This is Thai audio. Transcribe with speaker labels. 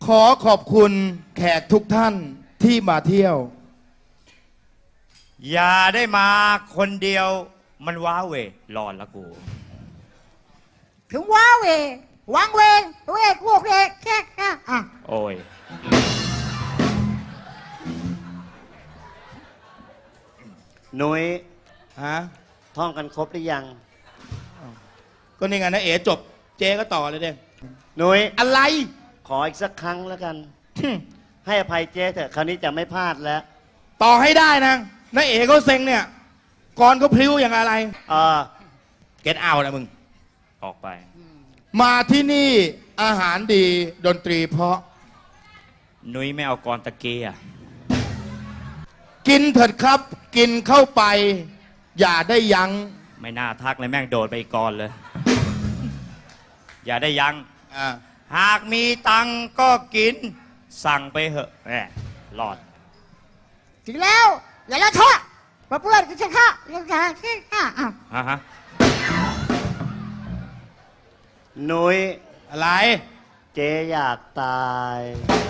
Speaker 1: ขอขอบคุณแขกทุกท่านที่มาเที่ยว
Speaker 2: อย่าได้มาคนเดียวมันว้าเวรอนละกู
Speaker 3: ถึงว้าเววังเวเวกวกเวแค่อ่ะ
Speaker 2: โอ้ย
Speaker 4: หนุ้ย
Speaker 1: ฮะ
Speaker 4: ท่องกันครบหรือยัง
Speaker 1: ก็นี่ไงนะเอ๋จบ เจ๊ก็ต่อเลยเด้
Speaker 4: หนุ้ย
Speaker 1: อะไร
Speaker 4: ขออีกสักครั้งแล้วกัน ให้อภัยเจ๊เถอะคราวนี้จะไม่พลาดแล้ว
Speaker 1: ต่อให้ได้นะนะเอ๋ก็เซ็งเนี่ยก่อนก็พลิ้วอย่างอะไร
Speaker 4: เออ
Speaker 1: เก็ตเอานะมึง
Speaker 2: ออกไป
Speaker 1: มาที่นี่อาหารดีดนตรีเพราะ
Speaker 2: นุ้ยไม่เอากรตะเกีย
Speaker 1: กินเถิดครับ กินเข้าไป อย่าได้ยัง้ง
Speaker 2: ไม่น่าทักเลยแม่งโดดไปอีกกรเลย อย่าได้ยัง้ง
Speaker 1: อ่า
Speaker 2: หากมีตังค์ก็กิน สั่งไปเหอะแหมรอด
Speaker 3: ถึงแล้วอย่าละท้อมาเพื่อนก็จะฆ่าเรื่องการฆ่าอ่ะ
Speaker 2: ฮะ
Speaker 4: หนุ้ย
Speaker 1: อะไร
Speaker 4: เจ๊อยากตาย